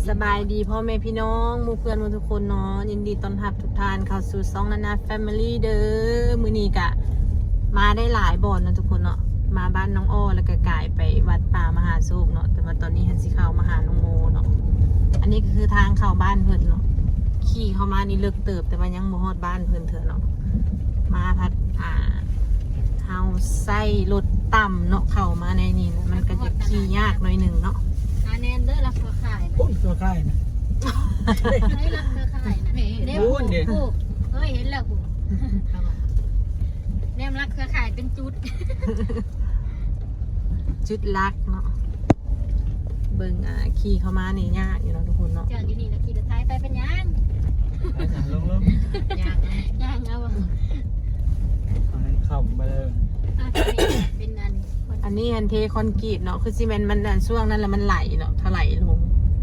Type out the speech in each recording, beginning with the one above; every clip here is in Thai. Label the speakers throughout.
Speaker 1: สบายดีพ่อแม่พี่น้องหมู่เพื่อนหมู่ทุกคนเนาะยินดีต้อนรับทุกท่านเข้าสู่ซ่องนานาแฟมิลี่เด้อมื้อนี้กะมาได้หลายบ่อนนะทุกคนเนาะมาบ้านน้องอ้อแล้วก็กายไปวัดป่ามหาโศกเนาะแต่ว่าตอนนี้หันสิเข้ามาหาน้องโมเนาะอันนี้ก็คือทางเข้าบ้านเพิ่นเนาะขี่เข้ามานี่เลิกเติบแต่ว่ายังบ่ฮอดบ้านเพิ่นเถอะเนาะมาพัดเฮาใส่รถต่ำเนาะเข้ามาในนี่นะมันก็จะขี่ยากหน่อยหนึงเนาะ
Speaker 2: แนนเด้อรักเครือข่าย
Speaker 3: โอ้ยตัวใกล้นะ
Speaker 2: เฮ้ยรักเครือข่ายนะเด้ผู้เฮ้ยเห็นแล้วผู้แนมรักเครือข่ายเป็นจุด
Speaker 1: จุดลักเนาะเบิ่งขี่เข้ามานี่ยากอยู่เนาะทุกคนเนาะ
Speaker 2: จอดอยู่นี่แล้วขี่รถไถไปเป็นยัง
Speaker 3: ลง
Speaker 2: ยังเอา
Speaker 3: ขับมาเลย
Speaker 2: เป็น
Speaker 1: อันนี้ฮันเทคอนกรีตเนาะคือซีเมนต์มันช่วงนั้นแล้วมันไหลเนาะถลายลง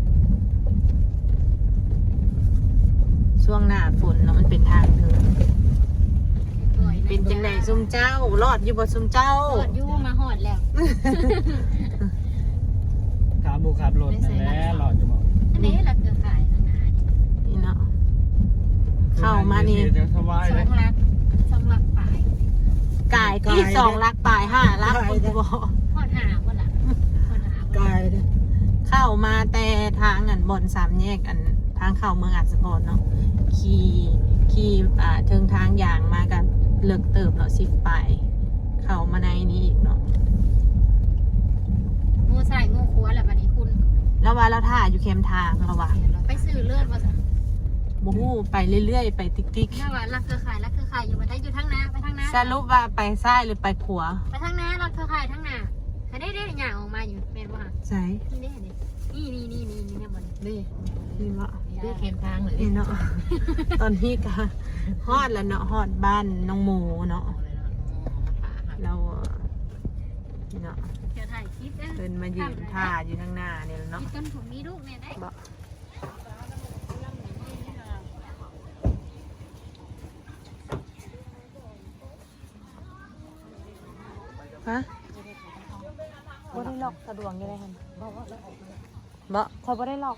Speaker 1: ช่วงหน้าฝนเนาะมันเป็นทางเดินเป็นจังไหนซุมเจ้ารอดอยู่บ่ซุมเจ้าร
Speaker 2: อดอยู่มาหอดแล้ว
Speaker 3: ขาบุขับรถนั่นแหละหลอดอยู่บ่
Speaker 2: อันนี้รักเครือข่ายทางหน้า
Speaker 1: นี่เนาะเข้ามานี่
Speaker 3: สบาย
Speaker 2: ส
Speaker 3: เล
Speaker 2: อย งลักป่าย
Speaker 1: กายที่2 ลักปลาย5 ลักคุณบ่
Speaker 2: หอดหาบ่ล่ะหอดหาบ่
Speaker 3: กายเลย
Speaker 1: เข้ามาแต่ทางบ่อน3 แยกทางเข้าเมืองอัศพรเนาะขี่ถึงทางอย่างมากันเลิกเติบเนาะ10 ไปเข้ามาในนี้อีกเนาะ
Speaker 2: งูใส่งูขัวแหละบัดนี้คุณ
Speaker 1: แล้วว่าเราถ่ายอยู่เข็มทางเราว่า
Speaker 2: ไปซื้อเลือดมาสั่ง
Speaker 1: บูฮู้ไปเรื่อยๆไปติ๊ก
Speaker 2: ถ้าว่ารักเครือข่ายอยู่มาได้อยู่ทั้งน้าไปทั้งน้า
Speaker 1: ๆสรุปว่าไปซ้ายหรือไปขวา
Speaker 2: ไปทั้งน้ารักเครือข่ายทั้งน้าแต่ได้หย่างออกมาอยู่เป็นว่า
Speaker 1: ใช่
Speaker 2: นี่เนี่ยบน
Speaker 1: นี่เนาะ
Speaker 2: นี่เข็มทางเลย
Speaker 1: นี่เนาะ ตอนนี้ก็ฮอดแล้วเนาะฮอดบ้านน้องโมเนาะเรานี่เนาะ
Speaker 2: จะถ่ายคลิป
Speaker 1: เดินมายืนท่าอยู่ข้างหน้าเนี่ยเนาะ
Speaker 2: จนผมมีลูกเนี่ยได้
Speaker 1: บอกฮะบ่ได้หลอกสะดวกยังไงฮะบ่เขาบ่ได้หลอก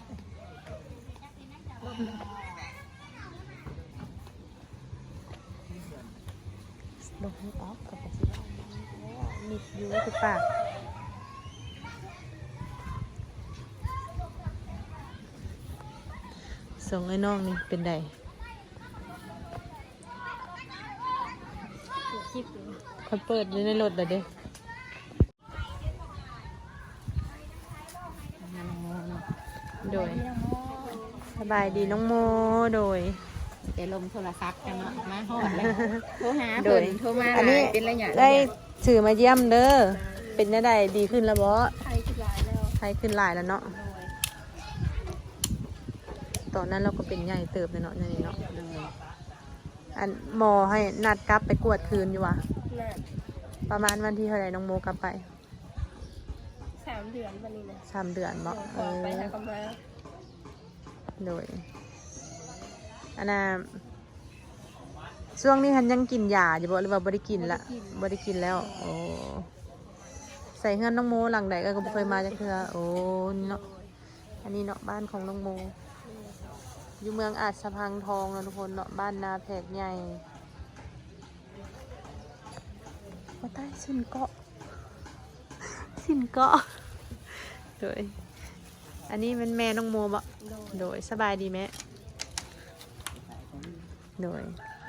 Speaker 1: ลงให้ออกกับสิมีอยู่ที่ปากส่งไอ้น้องนี่เป็นได
Speaker 2: คลิป
Speaker 1: เขาเปิดอยู่ในรถเด้อโดยสบายดีน้องโมโดย
Speaker 2: เดี๋ยวลมโทรศัพท์กันเนาะมาหอดแล้วโทรหา
Speaker 1: โด
Speaker 2: เพิ่
Speaker 1: ย
Speaker 2: นโทรมา
Speaker 1: อันนี้
Speaker 2: เป็นระยะ
Speaker 1: ได้สื่อมาเยี่ยมเด้อเป็นยังไงดีขึ้นแล้วบ่
Speaker 2: ใครขึ้นหลายแล้ว
Speaker 1: ใครขึ้นหลายแล้วเนาะตอนนั้นเราก็เป็นใหญ่เติบเลยเนาะนี่เนาะอันหมอให้นัดกลับไปกวดคืนอยู่วะประมาณวันที่เท่าไหร่น้องโมกลับไป
Speaker 2: 3 เดือนวันนี้นะ
Speaker 1: 3 เดือนบ่
Speaker 2: ไปแล้วก็มา
Speaker 1: โดยอันน่ะช่วงนี้ฉันยังกินยาอยู่บ่หรือว่าบ่ได้กินละบ่ได้กินแล้วโอ้ใส่เงินน้องโมหลังใดก็บ่เคยมาจักเทื่อโอ้นี่เนาะอันนี้เนาะบ้านของน้องโมอยู่เมืองอาจสะพังทองนะทุกคนเนาะบ้านนาแพกใหญ่ว่าใต้สินเกาะโดยอันนี้เป็นแม่น้องโมบ่โดยสบายดีไหมโดย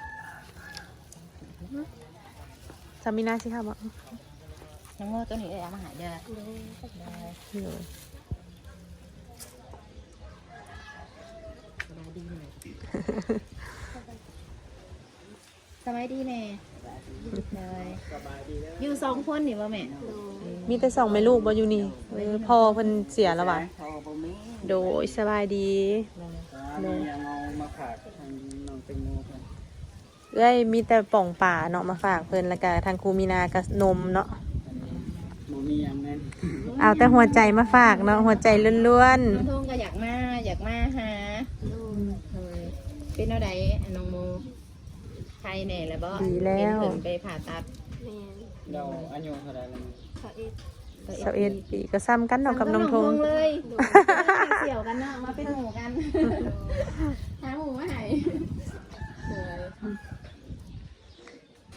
Speaker 1: สามีนาสิค่ะบ่
Speaker 2: น้องโมตัวนี้เอามาหาเด้อ
Speaker 1: โดย
Speaker 2: สบายดีแม่เลยอยู่2 คนนี่บ่แม่
Speaker 1: มีแต่2แม่ลูกบ่อยู่นี่พ่อเพิ่นเสียแล้วว่ะโดยสบายดี
Speaker 3: ยังเอามาฝากทางน้องเต็งโมกัน
Speaker 1: เอ้ยมีแต่ป่องป่าเนาะมาฝากเพิ่นแล้วก็ทางครูมีนากับนมเนาะ
Speaker 3: โมมีอย่างนั้น
Speaker 1: เอาแต่หัวใจมาฝากเนาะหัวใจล้วน
Speaker 2: น้องทงก็อยากมาหาเป็นเอาใดน้องโมใครแน่แล้วบ่
Speaker 1: ๆดีแล้ว
Speaker 2: เพิ่นไปผ่าตัด
Speaker 3: เราอายุเท่าไหร่แล้ว
Speaker 1: 21 ปีก็ซ้ำกันเนาะกับน้องทง
Speaker 2: เลยเสี่ยวกันเนาะมาเป็น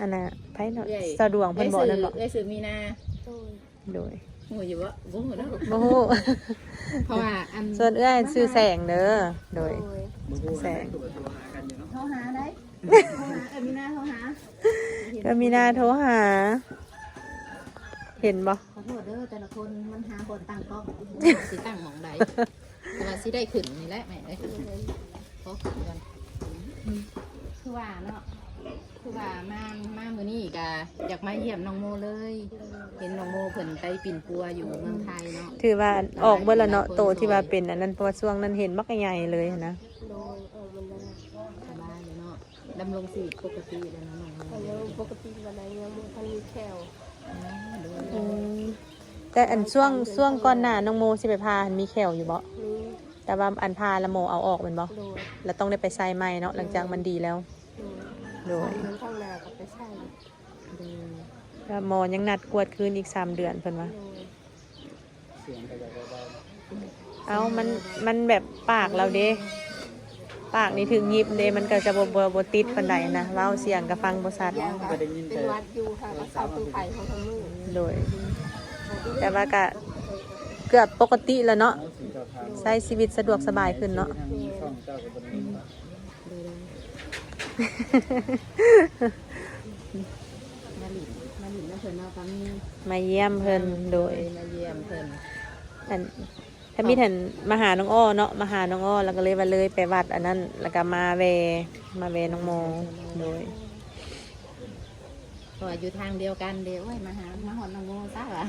Speaker 1: นน่ะไผเนาะ
Speaker 2: เอ้ย
Speaker 1: สะดวกเพิ่นบอกนั่นบ่
Speaker 2: เอ้ยสื่อมีนา
Speaker 1: โดย
Speaker 2: โหอยู่บ่บ่ฮู้เนาะ
Speaker 1: บ่ฮู้
Speaker 2: เพราะว่าอัน
Speaker 1: ส่วนเอื้อยชื่อแสงเด้อโดย แสง
Speaker 3: ตัวหากันอยู่เนาะ
Speaker 2: โทรหาได้โทรหามีนาโทรหา
Speaker 1: ก็มีนาโทรหา เห็นบ่
Speaker 2: ขอโทษเด้อแต่ละคนมันหาคนตั้งกล้องสิตั้งหม่องใดแต่ว่าสิได้ขึ้นนี่แหละแม่เอ้ยขอขึ้นกันคือว่าเนาะคือว่ามามื้อนี้ก็อยากมาเยี่ยมน้องโมเลย เห็นน้องโมเพิ่นไปปิ่นปัวอยู่เมืองไทยเนาะ
Speaker 1: ถือว่าออกเบิดแล้วเนาะโตที่ว่าเป็นอันนั้นเพราะว่าช่วงนั้นเห็นบักใหญ่เลยหั้นนะ
Speaker 2: สบายเลยเนาะดำรงชีวิตปกติแล้วเนาะน้องโม
Speaker 4: อันนี้ปกติวันไหนยังมันทันมีแคว
Speaker 1: อืมแต่อันช่วงก่อนหน้าน้องโมสิไปพาหันมีแขวอยู่บ่
Speaker 4: นี้
Speaker 1: แต่ว่าอันพาละโมเอาออกแมันบ่
Speaker 4: โดย
Speaker 1: แล้วต้องได้ไปใส่ใหม่เนาะหลังจากมันดีแล้ว
Speaker 4: โด
Speaker 1: โด
Speaker 4: ย
Speaker 1: ย
Speaker 4: มันข้างหน้ากับไปใช่
Speaker 1: แล้วหมอยังนัดกวดคืนอีก3 เดือนเพิ่นว่า
Speaker 4: โดย
Speaker 3: เสียงก็จะได้
Speaker 1: เอามันแบบปากเราเด้ปากนี่ถึงยิบเด้มันก็จะบ่ติดปานใดนะเว้าเสียงก็ฟังบ่ชัด
Speaker 3: ก็ได้ยิน
Speaker 4: เป็น
Speaker 3: แต่
Speaker 4: วัดอยู่ค่ะวัดเสาคือไผ่ของทางมือ
Speaker 1: โดย แต่ว่าก็เกือบปกติแล้วเนาะ
Speaker 3: สีเจ้าทาง
Speaker 1: ใช้ชีวิตสะดวกสบายขึ้นเนาะ
Speaker 3: ทางช่องเจ้าก็บ่ได้ยินว่า
Speaker 2: มาหลินนะเพิ่นเนาะก็มี
Speaker 1: มาเยี่ยมเพิ่นโดย
Speaker 2: มาเยี่ยมเพิ่น
Speaker 1: อันถ้ามีท่านมาหาน้องอ้อเนาะมาหาน้องอ้อแล้วก็เลยว่าเลยไปวัดอันนั้นแล้วก็มาแวน้องโมโดย
Speaker 2: เพราะว่าอยู่ทางเดียวกันเด้อโอ้ยมาหามาฮอดน้องโมซะว่ะ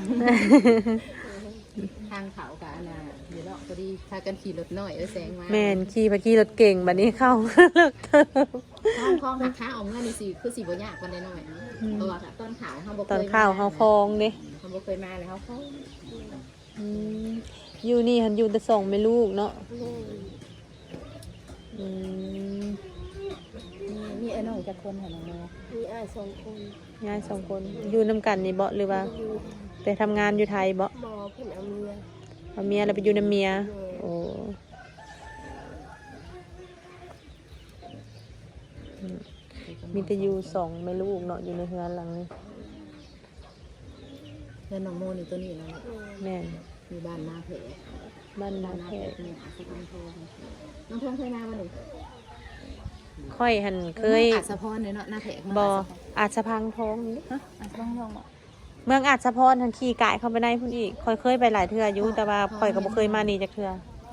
Speaker 2: ทางเขากับอันน่ะอยู่เนาะพอดีพากันขี่รถน้อยแซงมา
Speaker 1: แม่นขี่รถเก่งบัดนี้เข้า เลิกเติม
Speaker 2: คล้องหักขาเอาเงินนี่สิคือสิบ่ยากปานใดน้อยเพราะว่าต้นขาวเฮาบ่เคย
Speaker 1: ตอนข้าวเฮาคลองเด้
Speaker 2: เฮาบ่เคยมาเลยเฮาคล้อง
Speaker 1: อืมอยู่นี่หันอยู่แต่ส่งแม่ลูกเนาะ
Speaker 4: โดย
Speaker 1: อืม
Speaker 2: มีไอ้น้องจักคนหั่นน้องโม
Speaker 4: มีอ้าย2 คน
Speaker 1: ยาย2 คนอยู่นํกันนี่บ่หรือว่า
Speaker 4: อยู่
Speaker 1: ไปทำงานอยู่ไทยบ่
Speaker 4: หมอเพิ่นเอาเมีย
Speaker 1: เอาเมียแล้วไปอยู่นํเมียโอ้อืมมีแต่อยู่2แม่ลูกเนาะอยู่ในเฮือนหลังนี้
Speaker 2: เพื่อนน้องโมนี่ตัวนี้เนาะ
Speaker 1: แม่น
Speaker 2: มีบ้านนาเพะ
Speaker 1: บ้านนา
Speaker 2: บ้านนา
Speaker 1: แพ
Speaker 2: เพะนี่อาสะพรทองน้องทองเคยมาบ่นี่
Speaker 1: ค่อยหันเคย
Speaker 2: อาสะพรเนาะนาเพะ
Speaker 1: บ่อาจสะพังทองนี่
Speaker 2: ฮะอาสะพรทองบ่
Speaker 1: เมืองอาจสะพรทันขี่กายเข้าไปในพุ่นอีกค่อยเคยไปหลายเทื่ออยู่แต่ว่าค่อยก็บ่เคยมานี่จักเทื่อ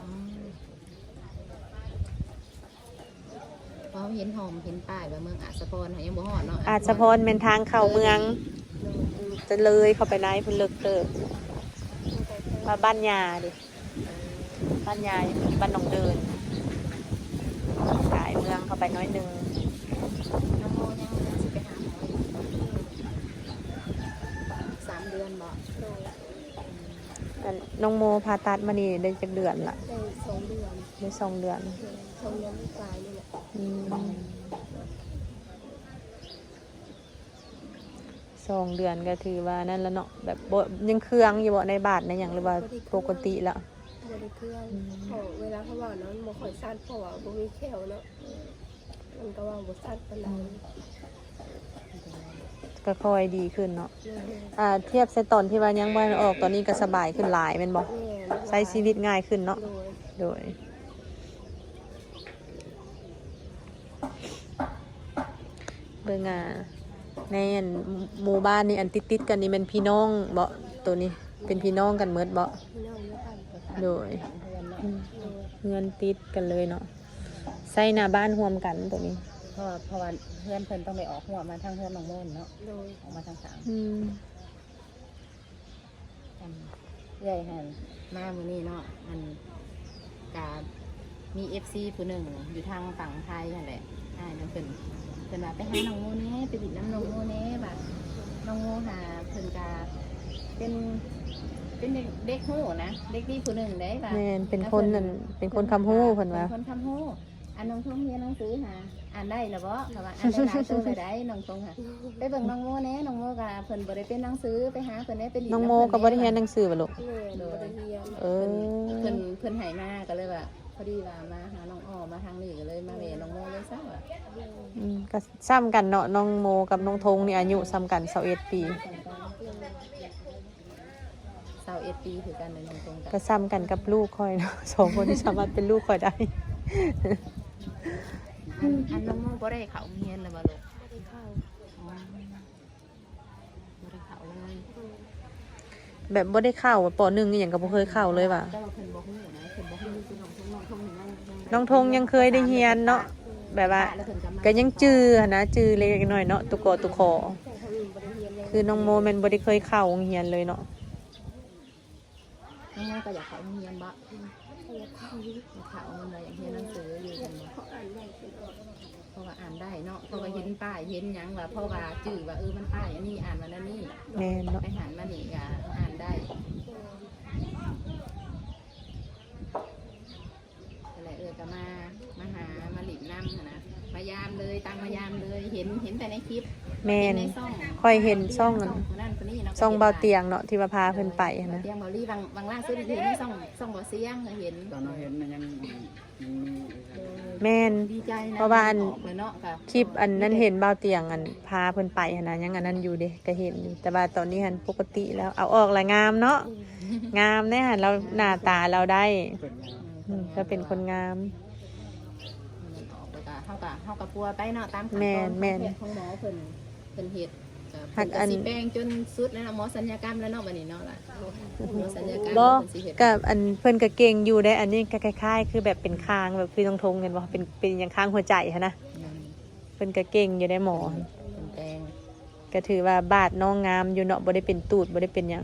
Speaker 2: เพราะเห็นหอมเห็นป้ายว่าเมืองอาสะพรยังบ่ฮอดเนาะ
Speaker 1: อาจสะพรเป็นทางเข้าเมืองจะเลยเข้าไปในพุ่นเลิกเติบมาบ้านยาดิบ้านยาบ้านหนองเดินกายเมืองเข้าไปน้อยหนึง
Speaker 2: น้องโมยังสิไปหาหมออยู่3 เดือนบ่
Speaker 4: โดย
Speaker 1: อันน้องโมผ่าตัดมานี่ได้จักเดือนละ
Speaker 4: ได้2 เดือน
Speaker 1: ได้2 เดือน
Speaker 4: 2 เดือนปลายนี่แหละ
Speaker 1: อืม2 เดือนก็ถือว่านั่นแล้วเนาะแบบบ่ยังเครื่องอยู่บ่ในบาทในอย่างหรือว่าปกติละ
Speaker 4: บ่ได้เครื่องเขาเวลาเขาว่านั้นบ่ค่อยสั้นเพราะว่าบ่มีแควเนาะมันก็ว่าบ่สั้นปานใด
Speaker 1: ก็ค่อยดีขึ้นเนาะ
Speaker 4: เลย
Speaker 1: เทียบใส่ตอนที่ว่ายังบ่ออกตอนนี้ก็สบายขึ้นหลายแม่นบ่
Speaker 4: แม่
Speaker 1: ใช้ชีวิตง่ายขึ้นเนาะ
Speaker 4: โดย
Speaker 1: โดยเบิ่งในอันหมู่บ้านนี่อันติดๆกันนี่แมันพี่น้องบ่ตัวนี้เป็นพี่น้องกันหมดบ่
Speaker 4: พี่น้องเยอะกัน
Speaker 1: โดย
Speaker 2: เดือนเนาะ
Speaker 4: โดย
Speaker 1: เงินติดกันเลยเนาะใส่หน้าบ้านรวมกันตัวนี้
Speaker 2: เพราะว่าเพื่อนเพิ่นต้องไปออกหัวมาทางเพื่อนน้องโมนเนาะ
Speaker 4: โดย
Speaker 2: ออกมาทางสาม
Speaker 1: อืม
Speaker 2: ใหญ่หันมามื้อนี้เนาะอันกามี FC ผู้หนึ่งอยู่ทางฝั่งไทยนั่นแหละน้องเพิ่นว่าไปหาน้องโมแน่ไปดิดน้ำน้องโมแน่แบบน้องโมหาเพิ่นกาเป็นเด็กโหนะเด็กดีผู้หนึ่งได้ป่ะ
Speaker 1: แม่นเป็นคนนั่นเป็นคนคำฮู้เพิ่นว่า
Speaker 2: เป็นคนคำฮู้อันน้องทงเรียนหนังสือหาอ่านได้หรือบ่ค่ะว่าอ่านได้หลายตัวเลยได้น้องทงค่ะไปเบิ่งน้องโมแน่น้องโมกะเพิ่นบ่ได้เป็นหนังสือไปหาเพิ่นได้เป็น
Speaker 1: น้องโมก็บ่ได้เรียนหนังสือบ่ลูก
Speaker 4: แม่บ่ได้เรียน
Speaker 1: เออ
Speaker 2: เพิ่นให้มาก็เลยว่าพอดีว่ามาหาน้องอ้อมาทางนี้ก็เลยมาเวน้องโมเลยซะว่า
Speaker 1: ก็ซ้ำกันเนาะน้องโมกับน้องธงนี่อายุซ้ำกัน21 ปี
Speaker 2: 21 ปีคือกันในน้องตรงกัน
Speaker 1: ก็ซ้ำกันกับลูกค่อยเนาะ 2 คนที่สามารถเป็นลูกค่อยได้
Speaker 2: อันน้องโมบ่ได้เข้าโรงเรียนเลยบ่ลูก
Speaker 4: ไม่ได้เข้า
Speaker 2: บ่ได้เข้าเลย
Speaker 1: แบบบ่ได้เข้าป .1 นี่หยังก็บ่เคยเข้าเลยว่ะ
Speaker 2: แต่ว่าเพิ่นบ่ฮู้นะเพิ่นบ่ฮู้คือน้องทงนี่
Speaker 1: น้องธงยังเคยได้เรียนเนาะแบบว่าก็ยังจื้อหั้นนะจื้อเล็กๆน้อยๆเนาะตุกอตุคอ
Speaker 4: แต่ทางอื่นบ่ได้เรียนเลย
Speaker 1: คือน้องโมแม่นบ่ได้เคยเข้าโรงเรียนเลยเนาะ
Speaker 2: น้องโมก็อยากเข้าโรงเรียนบ่
Speaker 4: อยากเข้า
Speaker 2: เข้ามันว่าอยากเรียนหนังสืออยู่กันบ่
Speaker 4: เพราะอ่านได้คือออก
Speaker 2: เพราะว่าอ่านได้เนาะเพราะว่าเห็นป้ายเห็นหยังว่าเพราะว่าจื้อว่ามันป้ายอันนี้อ่านมันอันนี้
Speaker 1: แม่นเนาะ
Speaker 2: ไปหันมานี่ก็อ่านได้อะไรก็มาหามาหลินน้ำนะมายามเลยตามมายามเลยเห็นแต่ในคลิป
Speaker 1: แม่น
Speaker 2: ในซ่อง
Speaker 1: ค่อยเห็นซ่องนั่น
Speaker 2: คนนั้นคนนี้เนาะ
Speaker 1: ซ่องเบาเตียงเนาะที่ว่าพาเพิ่นไปหั้นนะ
Speaker 2: เตียงเบาลี่บางล่างซื้อเห็นในซ่องเบาเสียงเห็น
Speaker 3: ตอนเราเห็นมันยังมี
Speaker 1: แม่น
Speaker 2: ดีใจนะ
Speaker 1: เพราะว่าอัน
Speaker 2: ออกเลยเนาะค่ะ
Speaker 1: คลิปอันนั้นเห็นเบาเตียงอันพาเพิ่นไปหั้นนะยังอันนั้นอยู่เด้ก็เห็นอยู่แต่ว่าตอนนี้หันปกติแล้วเอาออกละงามเนาะงามแน่หันเราหน้าตาเราได้
Speaker 3: เป็นยัง
Speaker 1: ก็เป็นคนงาม
Speaker 2: ออกไปกะเฮากับปัวไปเนาะตามขั้นตอน
Speaker 1: แม่นแม่น
Speaker 2: ของหมอเพิ่นเฮ็ด
Speaker 1: หั
Speaker 2: เพิ่
Speaker 1: ก
Speaker 2: น
Speaker 1: อั
Speaker 2: ก็
Speaker 1: น
Speaker 2: สิแปลงจนสุดแล้วเนาะหมอสัญญกรรมแล้วเนาะบัดนี้เนาะล่ะหมอสัญญกรรม
Speaker 1: บ่
Speaker 2: เพิ่นสิเฮ็ด
Speaker 1: กับอันเพิ่นก็เก่งอยู่ได้อันนี้ก็คล้ายๆคือแบบเป็นคางแบบคือตรงทงกันบ่เป็นอย่างคางหัวใจหั้นนะเพิ่นก็เก่งอยู่ได้หมอ
Speaker 2: เพิ่นแปลง
Speaker 1: ก็ถือว่าบาดน้องงามอยู่เนาะบ่ได้เป็นตูดบ่ได้เป็นหยัง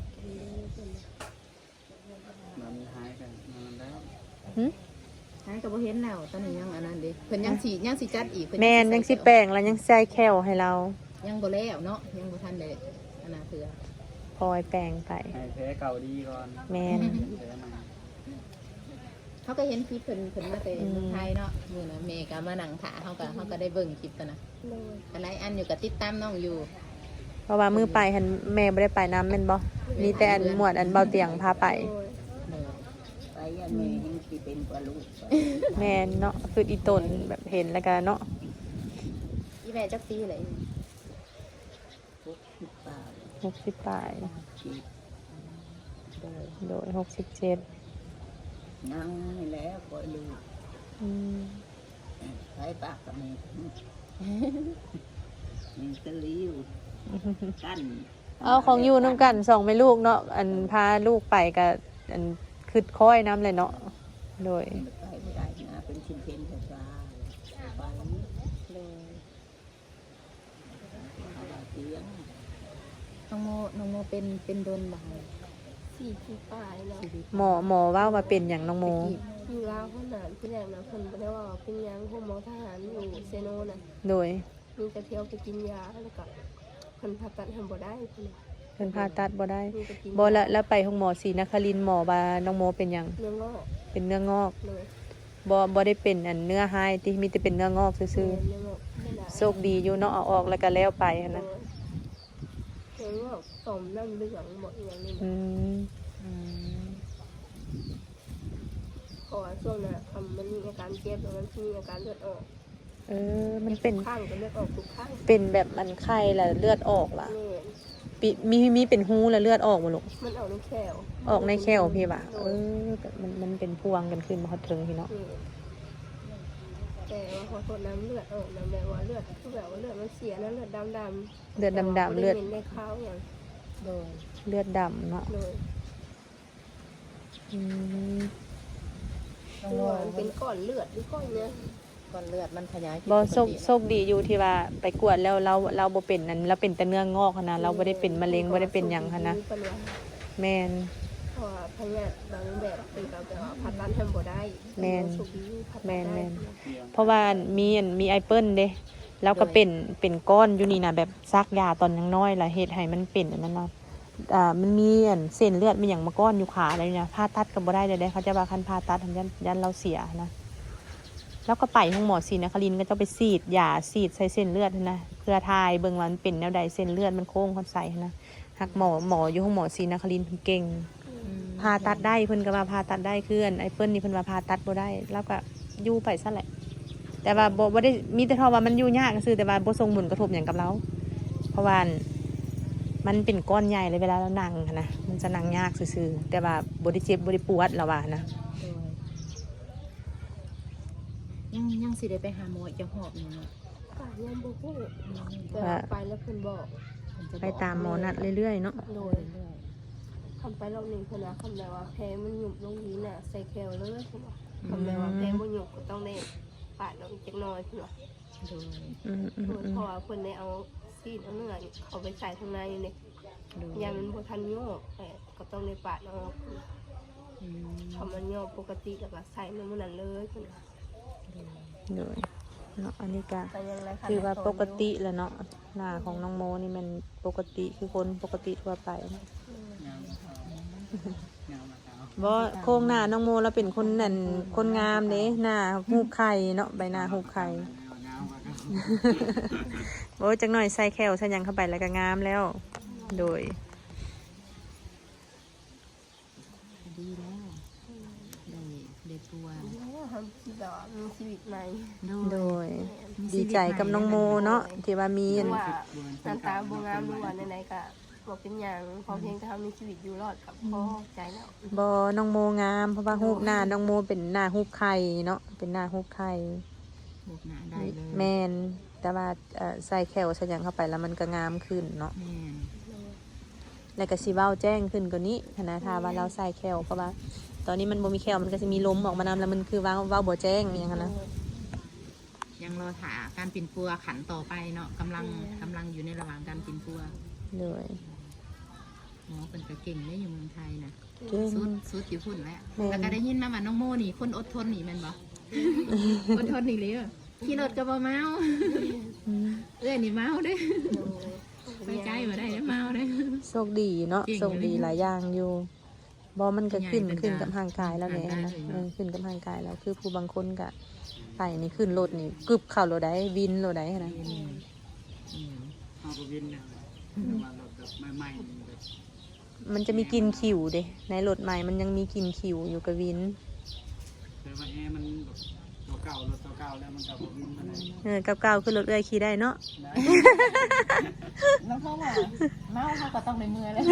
Speaker 3: มันหายกันมันแล้ว
Speaker 1: หึ
Speaker 2: หายก็บ่เห็นแล้วตอนนี้ยังอันนั้นเด้เพิ่นยังสิจัดอีกเพิ่น
Speaker 1: แม่นยังสิแปลงแล้วยังใส่แควให้เรา
Speaker 2: ยังบ่แล้วเนาะยังบ่ทันได้อันน่ะเถื่อ
Speaker 1: พลอยแปลงไป
Speaker 3: ให้แพ้เก่าดีก่อน
Speaker 1: แม่น
Speaker 3: แพ้ใหม่
Speaker 2: เขาก็เห็นคลิปเพิ่นมาแต่เมืองไทยเนาะมื้อน่ะแม่ก็มานั่งถ่าเฮาก็ได้เบิ่งคลิปตัวน่ะ
Speaker 4: เลย
Speaker 2: ก็หลายอันอยู่ก็ติดตามน้องอยู่
Speaker 1: เพราะว่ามือไปหันแม่บ่ได้ไปน้ำแม่นบ่มีแต่อันหมวดอันเบาเตียงพาไป
Speaker 4: โดย
Speaker 5: ไปอันนี้ยังสิเป็นกว่าลูก
Speaker 1: แม่นเนาะคืออีตนแบบเห็นแล้วก็เนาะ
Speaker 2: อีแม่จักปีเลย
Speaker 5: ทุกที่ป่า
Speaker 1: 60ปลาย
Speaker 5: ชีพ
Speaker 1: โดย67
Speaker 5: นั่งนี่แหล้วก็ลูก
Speaker 1: อืม
Speaker 5: ไปปากกับแม่มีตะลิ้วกั้น
Speaker 1: เอาของอยู่นํกันสองแม่ลูกเนาะอันพาลูกไปก็อันคือค้อยน้ำเลยเนาะโดย
Speaker 5: ไปไม่ได้นะเป็นชิ้นเพนแต่ปลาไปเลยอะไรเสียง
Speaker 2: น้องโมเป็นโดนบ่
Speaker 4: 4 ปีปลายเนาะ
Speaker 1: หมอว่ามาเป็นอย่างน้องโม
Speaker 4: อยู่ลาวเพิ่นน่ะที่แรกนะเพิ่นบ่ได้ว่าเป็นหยังพวกหมอทหารอยู่เซโนน่ะ
Speaker 1: โดย
Speaker 4: มีแต่เที่ยวไปกินยาแล้วก็เพิ่นผ่าตัดทำบ่ได้เพิ่นน่ะ
Speaker 1: เพิ่นผ่าตัดบ่ได้
Speaker 4: มีแต่กิน
Speaker 1: บ่แล้วไปห้องหมอศรีนครินทร์หมอว่าน้องโมเป็นหยัง
Speaker 4: เนื้องอก
Speaker 1: เป็นเนื้องอก
Speaker 4: เลย
Speaker 1: บ่ได้เป็นอันเนื้อหายที่มีแต่เป็นเนื้องอกซื่อ
Speaker 4: เนื้องอกไม่ได้
Speaker 1: ๆโชคดีอยู่เนาะเอาออกแล้วก็แล้วไปหั้นนะ
Speaker 4: เนื้องอกต่อมน้ำเหลืองหมดอย่างนี้
Speaker 1: อืม
Speaker 4: เพราะว่าช่วงนั้นมันมีอาการเจ็บแล้วมันมีอาการเลือดออก
Speaker 1: มันเป็น
Speaker 4: ข้างก็เลือดออกทุกข้าง
Speaker 1: เป็นแบบมันไข้แล้วเลือดออกล่ะ
Speaker 4: นี่
Speaker 1: มีเป็นหูแล้วเลือดออกบ่ลูก
Speaker 4: มันออกในแขว
Speaker 1: ออกในแขวพี่บ่ะมันเป็นพวงกันขึ้นบ่ฮอดถึงพี่เนาะ
Speaker 4: นี่แต่ว่าพอทนน้ำเลือดออกนะแบบว่าเลือดคือแบบว่าเลือดมันเสียนะเลือดดำ
Speaker 1: เลือดดำๆเลือด
Speaker 4: ในข้าวอย่าง
Speaker 2: โดย
Speaker 1: เลือดดำเนาะ
Speaker 4: เลย
Speaker 1: อืม
Speaker 2: น้อง
Speaker 4: คือ
Speaker 2: โม
Speaker 4: ว่ามันเป็นก้อนเลือดหรือก้อนเนี้ย
Speaker 2: ก่อนเลือดมันขยาย
Speaker 1: บ่โชคดีอยู่ที่ว่าไปกวดแล้วเราบ่เป็นนั้นเราเป็นแต่เนื้องอกหั้นนะเราบ่ได้เป็นมะเร็งบ่ได้เป็นหยังหั้นนะแม่น
Speaker 4: เพราะว่าพยาธิบางแบบเป็นแบบว่าผ่าตัดทำบ่ได้
Speaker 1: แม่น
Speaker 4: สุขีผ่าตัด
Speaker 1: แม่
Speaker 4: ได้
Speaker 1: น เพราะว่ามีไอเปิ้ลเด้แล้วก็เป็นก้อนอยู่นี่นะแบบซักยาตอนยังน้อยล่ะเฮ็ดให้มันเป็นอันนั้นเนาะมันมีอันเส้นเลือดมีหยังมาก้อนอยู่ขาอะไรเนี่ยผ่าตัดก็บ่ได้เลยเขาจะว่าคันผ่าตัดยันเราเสียนะแล้วก็ไปห้องหมอศรีนครินทร์ก็จะไปฉีดยาฉีดใส่เส้นเลือดนะเพื่อทายเบิ่งว่ามันเป็นแนวใดเส้นเลือดมันโค้งคนใส่นะหักหมออยู่ห้องหมอศรีนครินทร์เพิ่นเก่ง
Speaker 2: อืม
Speaker 1: ผ่าตัดได้เพิ่นก็ว่าผ่าตัดได้คืออันไอ้เปิ้ลนี่เพิ่นว่าผ่าตัดบ่ได้แล้วก็อยู่ไปซะแหละแต่ว่าบ่ได้มีแต่เท่าว่ามันอยู่ยากซื่อแต่ว่าบ่ส่งผลกระทบหยังกับเรา เพราะว่ามันเป็นก้อนใหญ่เลยเวลาเรานั่งนะมันจะนั่งยากซื่อๆแต่ว่าบ่ได้เจ็บบ่ได้ปวดแล้วว่านะ
Speaker 2: ยังสิได้ไปหาหมอจะหอบอยู่เนาะ
Speaker 4: ป่ายังบ่ฮู้แต่ว่าไปแล้วเพิ่นบอก
Speaker 1: ไปตามหมอนัดเรื่อยๆเนาะ
Speaker 4: โดยทำไปรอบหนึ่งเพิ่นว่าคำแบบว่าแพ้มันหยุบลงนี้น่ะใส่แคลเลยเพิ่นว่าคำแบบว่าแพ้บ่หยุบก็ต้องได้ปาดลงจักหน่อยเพิ่นว่า
Speaker 2: โดย
Speaker 4: โดยเพราะว่าเพิ่นได้เอาซีดเอาเนื้อเขาไปใส่ข้างในนี่
Speaker 2: โดย
Speaker 4: ยามันบ่ทันโยกแต่ก็ต้องได้ปาดออกทำมันโยกปกติแล้วก็ใส่ในมื้อนั้นเลยเพิ่นว่า
Speaker 1: เลยเนาะอันนี้ก็
Speaker 4: แต่ยังไร
Speaker 1: คือว่าปกติแหละเนาะหน้าของน้องโมนี่มันปกติคือคนปกติทั่วไปเนาะ
Speaker 3: ยาวมาเอา
Speaker 1: บ่โครงหน้าน้องโมแล้วเป็นคนนั่นคนงามเด้หน้าหูบไข่เนาะใบหน้าหูบไข่
Speaker 3: ยาวมาก็
Speaker 1: โอ้ยจังหน่อยใส่แคลใส่หยังเข้าไปแล้วก็งามแล้ว โดย
Speaker 2: ดีแล้วได้ตัว
Speaker 4: ทำที่แบบว่ามีชีวิตใหม่
Speaker 1: โดย ดีใจกับน้องโมเนาะที่ว่ามี
Speaker 4: หรือว่าหน้าตาบ่งามหรือว่าไหนๆก็บ่เป็นหยังพอเพียงแต่เขามีชีวิตอยู่รอดกับพอใจแล้ว
Speaker 1: บ่น้องโมงามเพราะว่าหูบหน้าน้องโมเป็นหน้าหูบไข่เนาะเป็นหน้าหูบไข่
Speaker 2: บุกหนาได้เลย
Speaker 1: แมนแต่ว่าใส่แคลใส่หยังเข้าไปแล้วมันก็งามขึ้นเนาะ
Speaker 2: แม่น
Speaker 1: แล้วก็สิเว้าแจ้งขึ้นกว่านี้นะถ้าว่าเราใส่แคลเพราะว่าตอนนี้มันบ่มีแคลมันก็จะมีลมออกมานำแล้วมันคือเว้าบ่แจ้งอย่างนั้นนะ
Speaker 2: ยังรอถาการปิ่นปัวขันต่อไปเนาะกำลังอยู่ในระหว่างการปิ่นปัว
Speaker 1: เลย
Speaker 2: หมอเป็นก็เก่งได้อยู่เมืองไทยนะ
Speaker 1: เก่ง
Speaker 2: สุดอยู่พุ่นแล้ว
Speaker 1: แม่น
Speaker 2: แล้วก็ได้ยินมาว่าน้องโมนี่คนอดทนนี่แมันบ่ อดทนนี่เลยขี่รถก็บ่เมาเอ้ยนี่เมาเด้ไปไกลบ่ได้เด้เมาเด้
Speaker 1: โชคดีเนาะ
Speaker 2: เก่ง
Speaker 1: โชคดีหลายอย่างอยู่บ่มันก็ขึ้น
Speaker 2: ใหญ่เป็น
Speaker 1: ขึ้นกับร่างกายแล้วเนี่ย
Speaker 2: ร่างกาย
Speaker 1: นะ
Speaker 2: เลยเนาะ
Speaker 1: ขึ้นกับร่างกายแล้วคือผู้บางคนก็ไปนี่ขึ้นรถนี่กึบเข้ารถได้วินรถได้นะ
Speaker 3: เอาไปวินเนี่ยมาแบบใหม่ๆแบบ
Speaker 1: มันจะมีกลิ่นขิวเด้ในรถใหม่มันยังมีกลิ่นขิวอยู่กับวิน
Speaker 3: แต่ว่าแอร์มันแบบตัวเก่ารถตัวเก่าแล้วมันกับวินมันได้
Speaker 1: กับเก่าขึ้นรถเอื้อยขี่ได้เนาะ
Speaker 2: น้องพ่อว่าเมาเขาก็ต้องในมือเลย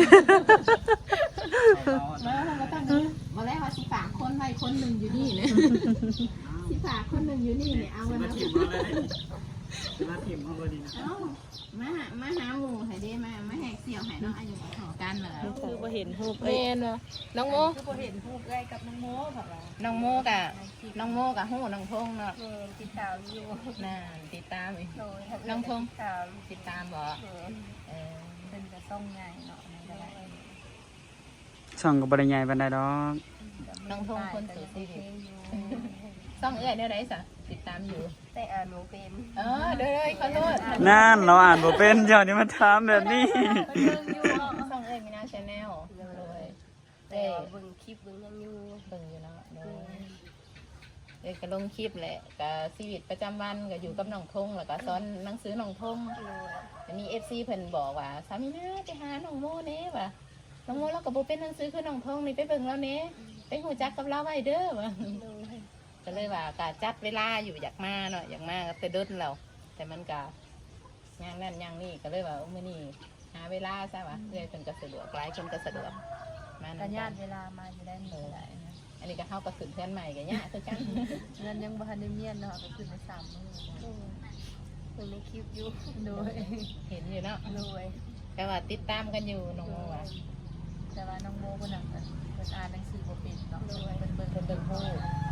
Speaker 2: เมาเขาก็ต้องมาแล้วว่าสิฝากคนไว้คนหนึ่งอยู่นี่เนี่ยสิฝากคนหนึ่งอยู่นี่เนี่ยเอา
Speaker 3: มา
Speaker 2: วัน
Speaker 3: ถิ่มมาเลยมาถิ่มมาพอดีนะ
Speaker 2: เอามาหาหมูให้ได้มาแหกเสี่ยวให้น้องอายุขอกันเลย
Speaker 1: คือบ่เห็นรูป
Speaker 2: เมนเนาะน้องโม
Speaker 1: บ่เห็นรูปเอื้อยกับน้องโมค่ะว่า
Speaker 2: น้องโมกะหูน้องพงเนาะ
Speaker 4: ติดตามอยู่
Speaker 2: น่าติดตามอีก
Speaker 4: โดย
Speaker 2: น้องพง
Speaker 4: ตาม
Speaker 2: ติดตามบ่เออ
Speaker 4: เป็นกระซ่องใหญ่เนาะนั่นก็ได้
Speaker 3: ช่องกับบริยายบันไดดอก
Speaker 2: น้องพงคนสู่ชีวิตต้องเอื้อยได้ไรสะติดตามอยู่
Speaker 4: แต่อ่านหนูเป็น
Speaker 2: เด้อเขาโลด
Speaker 3: นั่นเราอ่านบ่เป็นเจ้านี่มาถามแบบนี้
Speaker 2: ต้องเอ้ยมีหน้าชาแนลเลย
Speaker 4: แต่ว่าเบิ่งคลิปเบิ่งยังอยู่
Speaker 2: เบิ่งอยู่เนาะเอ้ยก็ลงคลิปแหละก็ชีวิตประจำวันก็อยู่กับน้องทงแล้วก็สอนหนังสือน้องทงจะมี FC เพิ่นบอกว่าสามีนะไปหาน้องโมเน่ว่ะน้องโมเราก็บ่เป็นหนังสือคือน้องทงนี่ไปเบิ่งแล้วเน่ไปฮู้จักกับเราไว้เด้อว่ะก็เลยว่าก็จัดเวลาอยู่อยากมาเนาะอยากมาก็แต่เดินเราแต่มันก็ย่างนั่นย่างนี่ก็เลยว่ามื้อนี้หาเวลาซะว่ะเพื่อเพิ่นก็สะดวกหลายคนก็สะดวกมา
Speaker 6: กั
Speaker 2: นำ
Speaker 6: ญาติเวลามาจะได้มีหลายนะ
Speaker 2: อันนี้ก็เข้ากับขึ้นเพื่อนใหม่กันเนี่ยคือกัน
Speaker 6: เงินยังบ่ทันได้เมียนเนาะก็คือใน3 มื้อนะ
Speaker 4: เบิ่งในคลิปอยู่
Speaker 6: โดย
Speaker 2: เห็นอยู่เนาะ
Speaker 4: โดย
Speaker 2: แต่ว่าติดตามกันอยู่น้องโมว่ะ
Speaker 6: แต่ว่าน้องโมคนนั้นเพิ่นอ่านหนังสือบ่เป็นเนาะเพิ่นเบิ่ง
Speaker 2: เพิ่นเบิ่งผู้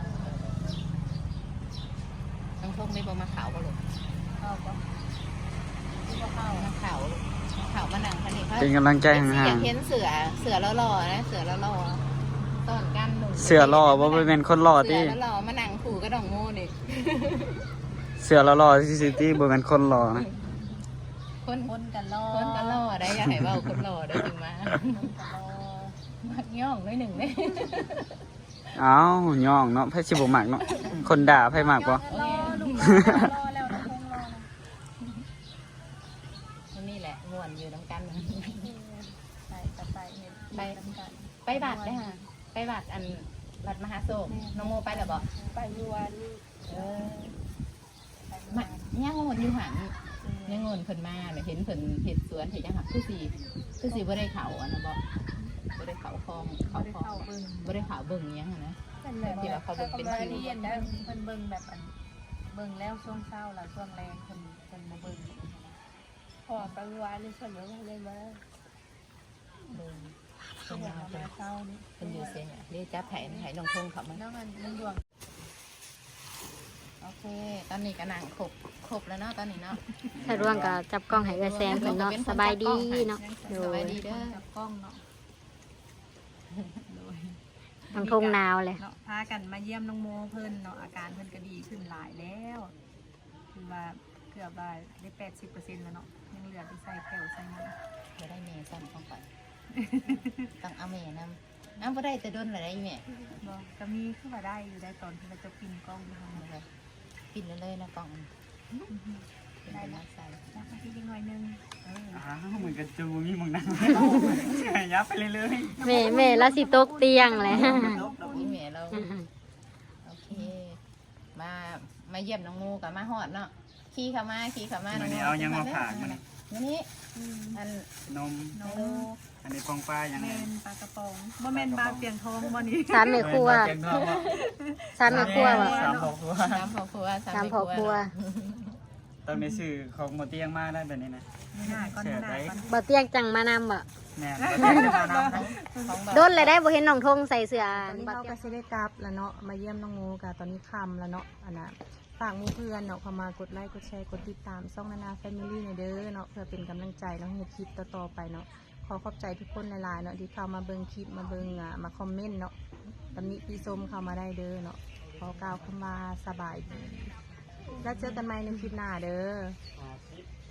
Speaker 2: น้องทงได้บ่มาขาวบ่ลูก
Speaker 6: เข้าบ่ที่บ่เข้า
Speaker 2: มาขาวขาวมาหนังคันนี้เขา
Speaker 3: เป็นกำลังใจ
Speaker 2: อยา
Speaker 3: ห่าง
Speaker 2: กเห็นเสือหล่อๆนะเสือหล่อๆต้อนกันหนุ่ม
Speaker 3: ๆเสือหล่อบ่ไปเป็นคนหล่อ
Speaker 2: เสื
Speaker 3: ที่
Speaker 2: อหล่อมาหนังขู่ก็น้องโมนี่
Speaker 3: เสือหล่อที่ซิตี้บ่เป็นคนหล่อนะ
Speaker 2: คน
Speaker 6: คนกันรอ
Speaker 2: คนก็หล่อได้อยากให้เว้าคนหล่อได้จึงมา
Speaker 6: คนกันรอ
Speaker 2: มักย่องน้อยหนึ่งเลย
Speaker 3: เอ้าย่องเนาะไผสิบ่มักเนาะคนด่าไผมากบ่
Speaker 6: รอลูกรอแล้วน้องคงรอนะ
Speaker 2: นี่แหละม่วนอยู่น้ำกัน
Speaker 6: ไปกับไปเห็น
Speaker 2: ไป
Speaker 6: นำกัน
Speaker 2: ไปบัตรเลยค่ะนวัดมหาโศกน้องโมไปแล้วบ่
Speaker 4: ไปเมื่อวานนี้
Speaker 2: มาย่างงนอยู่หันย่างงนเพิ่นมาเนี่ยเห็นเพิ่นเห็ดสวนเห็ดยังหักคือสีบ่ได้เขาอันนะบ่ได้เขาคลองเขาคลองบ่ได้เขาเบิ่งยังนะ
Speaker 4: นั่นแหละ
Speaker 2: ที่ว่าเขาเบิ่งเป็น
Speaker 6: มา
Speaker 2: คิว
Speaker 6: เรียนเพิ่นเบิ่งแบบอันเบิ่งแล้วช่วงเช้าแล้วช่วงแรงเพิ่นบ่เบิ่ง
Speaker 4: พอไปเมื่อวานนี้ส่วนเยอะเลยมา
Speaker 2: เบิ่ง
Speaker 6: เพิ่นเอามาเช้านี้
Speaker 2: เพิ่นอยู่เสียเนี่ยเรียกจับไห้น้องทงเขามา
Speaker 6: น้องอันมันดวง
Speaker 2: โอเคตอนนี้ก็นั่งครบแล้วเนาะตอนนี้เนาะ
Speaker 1: ถ้าร่วงก็จับกล้องให้กระแซมเพิ่นเนาะสบายดีเนาะโด
Speaker 2: สบาย
Speaker 1: ย
Speaker 2: ดีเด้อ
Speaker 6: จับกล้องเนาะ
Speaker 1: ทางทงนาวเลย
Speaker 6: เนาะพากันมาเยี่ยมน้องโมเพิ่นเนาะอาการเพิ่นก็ดีขึ้นหลายแล้วคือว่าเกือบว่าได้ 80%แล้วเนาะยังเหลือที่ใส่แก้วใส่น้ำ
Speaker 2: บ่ได้แม่ซ้ำของข่อยต้องเอาแม่นำบ่ได้แต่ดนอะไรแม่
Speaker 6: บ่ก็มีคือว่าได้อยู่ได้ตอนที่เราจะปินกล้องอยู่ข้างใน
Speaker 2: ปิดเลยนะกล่องได้แล้วใส่
Speaker 6: แล้วก็ที่นิดหน่อยนึง
Speaker 3: เหมือนกับจูมีมึงนั่งยับไปเรื่อย
Speaker 1: แม่แล้วสิตกเตียงเลย
Speaker 2: นี่แม่เราโอเคมาเยี่ยมน้องมูกับมาฮอดเนาะขี่เข้ามา
Speaker 3: ๆ
Speaker 2: น้
Speaker 3: วั
Speaker 2: อน ง
Speaker 3: นี้เอายังมาผ่านมัน
Speaker 2: นี่อัน
Speaker 3: นม
Speaker 6: โน
Speaker 3: อันนี้ปองปลาอย่าง
Speaker 6: แม
Speaker 3: นี้
Speaker 6: นปลากระป๋องบ่แมนปลาเปียงทองบ่นี้
Speaker 1: สามแม่ครัว
Speaker 3: เก่งมากว่ะ
Speaker 1: สามแม่ครัวว่ะ
Speaker 3: สามครอบครัว
Speaker 2: สามพ่อครัว
Speaker 1: สามพ่อครัว
Speaker 3: ตอนนี้สื่อของโมเตียงมาได้แบบนี้นะ
Speaker 6: หน้าก่อนหน้าก่อน
Speaker 1: บ่เตียงจังมานำบ่
Speaker 3: แม่โมเตียงมานำ
Speaker 2: ของ
Speaker 1: โดนเลยได้บ่เห็นน้องทงใส่เสื้อ
Speaker 7: ตอนนี้เราก็สิได้กลับแล้วเนาะมาเยี่ยมน้องโมกะตอนนี้ค่ำแล้วเนาะอันน่ะฝากหมู่เพื่อนเนาะเข้ามากดไลค์กดแชร์กดติดตามช่องนานาแฟมิลี่ในอยเด้อเนาะเพื่อเป็นกำลังใจเนาะให้คลิปต่อๆไปเนาะขอขอบใจทุกคนหลายๆเนาะที่เข้ามาเบิ่งคลิปมาเบิ่งมาคอมเมนต์เนาะตำหนิพี่ส้มเข้ามาได้เด้อเนาะขอกล่าวคำว่าสบายดีแล้วเจอกันใหม่ในคลิปหน้าเด้อ